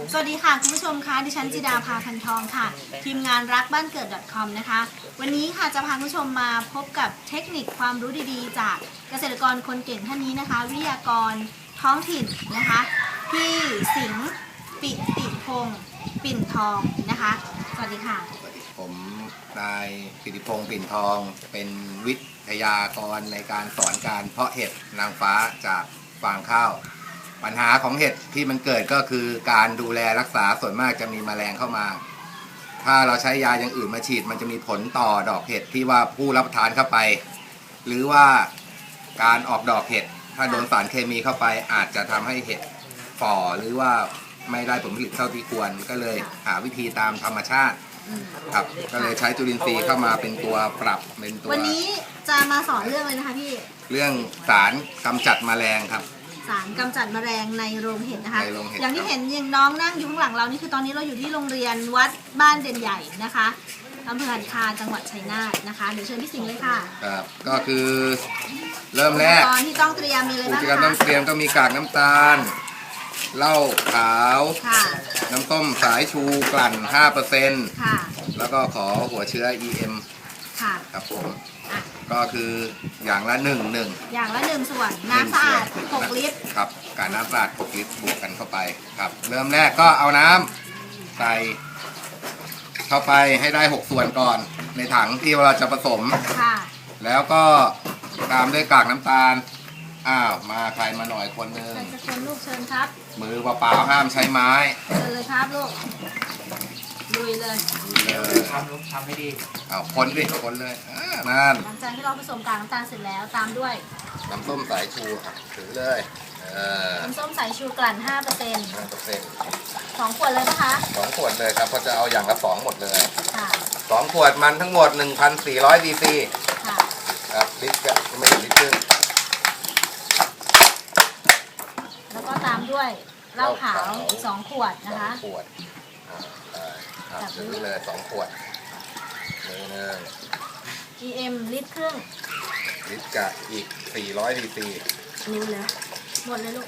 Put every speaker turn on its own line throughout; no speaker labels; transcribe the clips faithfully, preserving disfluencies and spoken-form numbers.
สวัสดีค่ะคุณผู้ชมคะดิฉันจิดาภาพันทองค่ะทีมงานรักบ้านเกิด .com นะคะวันนี้ค่ะจะพาคุณผู้ชมมาพบกับเทคนิคความรู้ดีๆจากเกษตรกรคนเก่งท่านนี้นะคะวิทยากรท้องถิ่นนะคะพี่สิงห์ปิติพงศ์ปิ่นทองนะคะสวัสดีค่ะ
ผมนายปิติพงศ์ปิ่นทองเป็นวิทยากรในการสอนการเพาะเห็ดนางฟ้าจากฟางข้าวปัญหาของเห็ดที่มันเกิดก็คือการดูแลรักษาส่วนมากจะมีแมลงเข้ามาถ้าเราใช้ยาอย่างอื่นมาฉีดมันจะมีผลต่อดอกเห็ดที่ว่าผู้รับประทานเข้าไปหรือว่าการออกดอกเห็ดถ้าโดนสารเคมีเข้าไปอาจจะทำให้เห็ดฝ่อหรือว่าไม่ได้ผลผลิตเท่าที่ควรก็เลยหาวิธีตามธรรมชาติครับก็เลยใช้จุลินทรีย์เข้ามาเป็นตัวปรับเป็นตัว
วันนี้จะมาสอนเรื่องอะไรนะคะพี่
เรื่องสารกำจัดแมลงครับ
สารกำจัดแมลงในโรงเห็ดนะคะ
ในโรงเห็ด
อย่างที่เห็นอย่างน้องนั่งอยู่ข้างหลังเรานี่คือตอนนี้เราอยู่ที่โรงเรียนวัดบ้านเด่นใหญ่นะคะอำเภอหันคาจังหวัดชัยนาทนะคะเดี๋ยวเชิญพี่สิงห์เลยค่ะ
ครับก็คือเริ่มแรก
ตอนที่ต้องเตรียมมีอะไรบ้างคะอุปกร
ณ์ต้องเตรียมต้องมีกากน้ำตาลเหล้าขาวน้ำส้มสายชูกลั่น ห้าเปอร์เซ็นต์
ค่ะ
แล้วก็ขอหัวเชื้อ อี เอ็ม
ค่ะ
ครับผมก็คืออย่างละหนึ่งหนึ่ง
อย่างละหนึ่งส่วนน้ำสะอาดหกลิตร
ครับการน้ำสะอาดหกลิตรบวกกันเข้าไปครับเริ่มแรกก็เอาน้ำใส่เข้าไปให้ได้หกส่วนก่อนในถังที่เราจะผสม
ค่ะ
แล้วก็ตามด้วยกากน้ำตาลอ้าวมาใครมาหน่อยคนหนึ่ง
จะคนลูกเชิญครับ
มือเปล่าๆห้ามใช้ไม้
เชิญเลยครับลูกลุยเลย
ทำลูกทำให้ดีอ้าวคนดิคนเลยนั่น
หลังจากที่เราผสมกากน้ำตาลเสร็จแล้วตามด้วย
น้ำส้มสายชูถือเลย
น้ำส้มสายชูกลั่น ห้าเปอร์เซ็นต์
ห้าเปอร์เซ็นต์
สองขวดเลยนะคะ
สองขวดเลยครับเพราะจะเอาอย่างละสองหมดเลย
ค่ะ
สองขวดมันทั้งหมด หนึ่งพันสี่ร้อย ซีซี
ค่ะ
ครับลิตรก็ไม่ถึงลิตรครึ่ง
แล้วก็ตามด้วยเหล้าขาวสองขวดนะคะ
สองขวดจับซื้อเลยสองขวดมือหนึ่ง
อี เอ็ม ลิตรครึ่ง
ลิตรกับอีกสี่ร้อยซีซี
นิ้วเลยหมดเลยลูก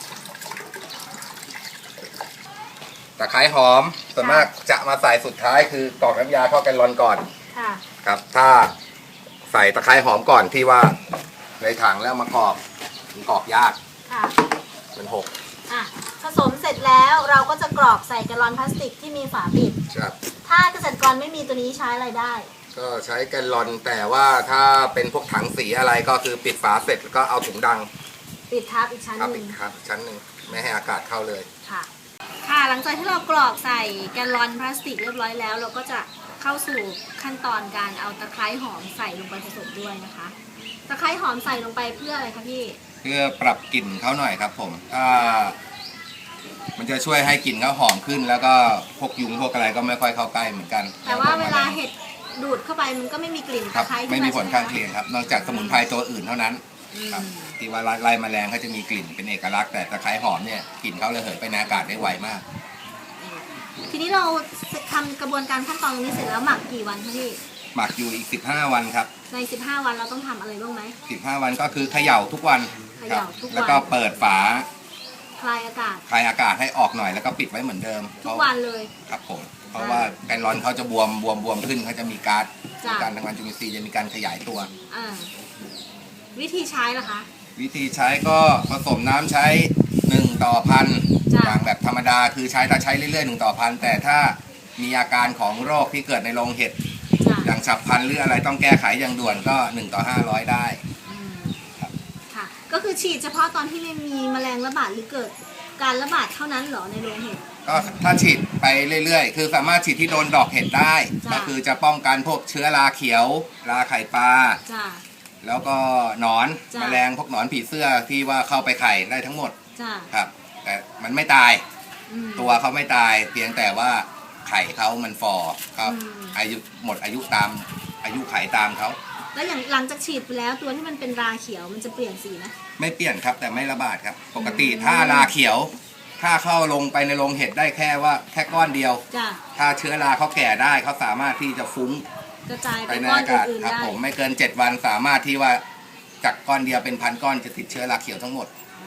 ตะไคร้หอมส่วนมากจะมาใส่สุดท้ายคือกรอกน้ำยาเข้าแกลลอนก่อน
ค่ะ
ครับถ้าใส่ตะไคร้หอมก่อนที่ว่าในถังแล้วมากรอกมันกรอกยาก
ค่ะ
มันหก
อ่ะผสมเสร็จแล้วเราก็จะกรอกใส่แกลลอนพลาสติกที่มีฝาปิด
ครับ
ถ้าเกษตรกรไม่มีตัวนี้ใช้อะไรได้
ก็ใช้แกลลอนแต่ว่าถ้าเป็นพวกถังสีอะไรก็คือปิดฝาเสร็จแล้วก็เอาถุงดัง
ปิดทับอีกชั้นหนึ่ง
ปิดทับชั้นหนึ่งไม่ให้อากาศเข้าเลย
ค่ะค่ะหลังจากที่เรากรอกใส่แกลลอนพลาสติกเรียบร้อยแล้วเราก็จะเข้าสู่ขั้นตอนการเอาตะไคร้หอมใส่ลงไปผสมด้วยนะคะตะไคร้หอมใส่ลงไปเพื่ออะไรคะพี่
เพื่อปรับกลิ่นเขาหน่อยครับผมถ้ามันจะช่วยให้กลิ่นเขาหอมขึ้นแล้วก็พวกยุงพวกอะไรก็ไม่ค่อยเข้าใกล้เหมือนกัน
แต่ว่าเวลาเห็ดดูดเข้าไปมันก็ไม่มีกลิ่นตะไคร้
ไม่มีผลข้างเคียงครับนอกจากสมุนไพรตัวอื่นเท่านั้นครับที่ว่าไล่แมลงเขาจะมีกลิ่นเป็นเอกลักษณ์แต่ตะไคร้หอมเนี่ยกลิ่นเขาระเหยไปในอากาศได้ไวมาก
ทีนี้เราทำกระบวนการขั้นตอนตรงนี้เสร็จแล้วหมักกี่วันคะพี่
หมักอยู่อีกสิบห้าวันครับ
ในสิบห้าวันเราต้องทำอะไรบ้างไหม
สิบห้าวันก็คือเขย่าทุกวัน
เขย่าทุกวัน
แล้วก็เปิดฝา
คลายอากาศ
คลายอากาศให้ออกหน่อยแล้วก็ปิดไว้เหมือนเดิม
ทุกวันเลย
ครับผมเพราะว่าแกนร้อนเขาจะบวมบวมบวมขึ้นเขาจะมีการการทำงานจุลินทรีย์จะมีการขยายตัว
วิธีใช้ล่ะคะ
วิธีใช้ก็ผสมน้ำใช้หนึ่งต่อพันอย่างแบบธรรมดาคือใช้ถ้าใช้เรื่อยๆหนึ่งต่อพันแต่ถ้ามีอาการของโรคที่เกิดในโรงเห็ดอย่างฉับพลันหรืออะไรต้องแก้ไขอย่างด่วนก็หนึ่งต่อห้าร้อยได้
ค่ะก็คือฉีดเฉพาะตอนที่ไม่มีแมลงระบาดหรือเกิดการระบาดเท่านั้นเหรอในโรงเห็ด
ก็ถ้าฉีดไปเรื่อยๆคือสามารถฉีดที่โดนดอกเห็ดได้ก็คือจะป้องกันพวกเชื้อราเขียวราไข่ปลาแล้วก็หนอนแมลงพวกหนอนผีเสื้อที่ว่าเข้าไปไข่ได้ทั้งหมดครับแต่มันไม่ตายตัวเขาไม่ตายเพียงแต่ว่าไข่เขามันฟอครับอายุหมดอายุตามอายุไข่ตามเขา
แล้วอย่างหลังจากฉีดไปแล้วตัวที่มันเป็นราเขียวมันจะเปลี่ยนสีไหม
ไม่เปลี่ยนครับแต่ไม่ระบาดครับปกติถ้าราเขียวถ้าเข้าลงไปในโรงเห็ดได้แค่ว่าแค่ก้อนเดียวถ้าเชื้อราเขาแก่ได้เขาสามารถที่จะฟุ้ง
กระจายไปในอากาศ
ครับผมไม่เกินเจ็ดวันสามารถที่ว่าจากก้อนเดียวเป็นพันก้อนจะติดเชื้อราเขียวทั้งหมด
อ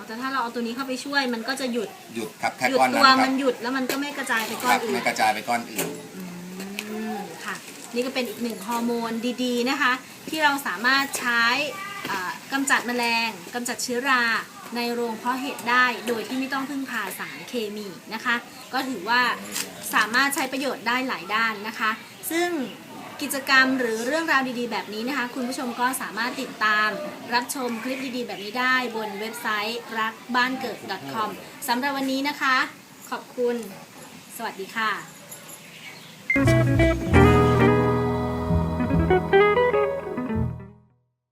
แต่ถ้าเราเอาตัวนี้เข้าไปช่วยมันก็จะหยุด
หยุดครับแค่
หยุด
ก้อนนั้
ตั
น
ว
ครั
มัน
บ
หยุดแล้วมันก็ไม่กระจายไปก้
ค
อน
รับ
อื่น
ไม่กระจายไปก้อนอื่น
อืมค่ะนี่ก็เป็นอีกหนึ่งฮอร์โมนดีๆนะคะ ที่เราสามารถใช้อ่ากำจัดแมลงกำจัดเชื้อราในโรงเพาะเห็ดได้โดยที่ไม่ต้องพึ่งพาสารเคมีนะคะ ก็ถือว่าสามารถใช้ประโยชน์ได้หลายด้านนะคะ ซึ่งกิจกรรมหรือเรื่องราวดีๆแบบนี้นะคะ คุณผู้ชมก็สามารถติดตามรับชมคลิปดีๆแบบนี้ได้บนเว็บไซต์รักบ้านเกิด .com สำหรับวันนี้นะคะ ขอบคุณสวัสดีค่ะ